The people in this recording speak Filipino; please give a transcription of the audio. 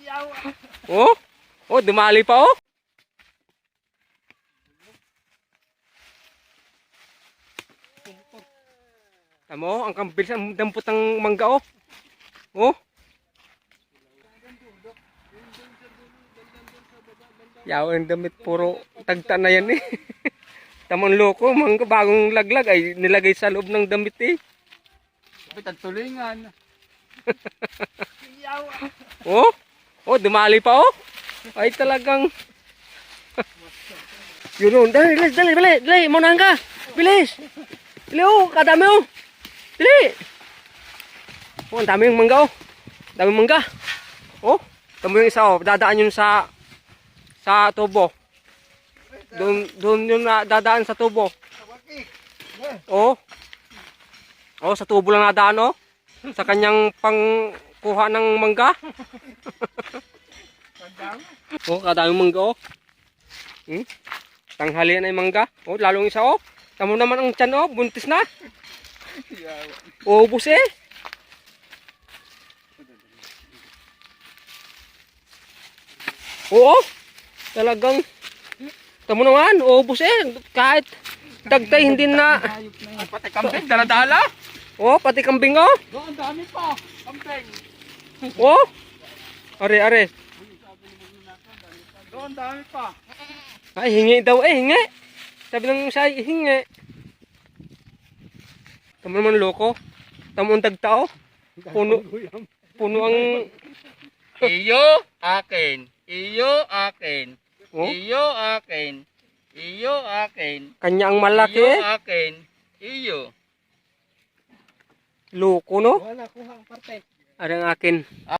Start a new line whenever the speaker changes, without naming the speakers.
Oh, oh, dumali pa oh. Tamo, ang kambil ang dampot ng mangga oh. Oh. Yaw ang damit puro tagta na yan eh. Tamang loko, mangga bagong laglag ay nilagay sa loob ng damit eh.
Tulingan.
Oh, oh, dumali pa oh. Ay talagang. Yun, dali, dali, maunahan ka. Bilis. Dali oh, kadami oh. Dali. Oh, ang daming mangga oh. Daming mangga. Oh, tamo yung isa oh, dadaan yun sa tubo. Doon yung dadaan sa tubo. Oh. Oh, sa tubo lang nadaan oh. Sa kanyang pangkuha ng mangga. Oh, kadaming mangga oh. Tanghalian ay mangga. Oh, lalong isa oh. Tamo naman ang tiyan oh, buntis na. Oh, ubos eh. Oo. Talagang tamo naman, ubos eh. Kahit dagtay hindi na.
Pati kambing, dala-dala.
Oh, pati kambing oh.
Doon, dami pa. Kambing.
Oh. Are.
Doon, dami pa.
Ay, hingi daw eh, hingi. Sabi ng siya, hingi. Tamo naman loko. Tamo ang dagta oh. Puno ang
Iyo, akin. Iyo, akin.
oh,
Iyo, akin. Iyo, akin.
kanya ang malaki
Iyo,
eh.
akin. Iyo.
Loko no.
Wala, kuha ang parte.
Are ang akin.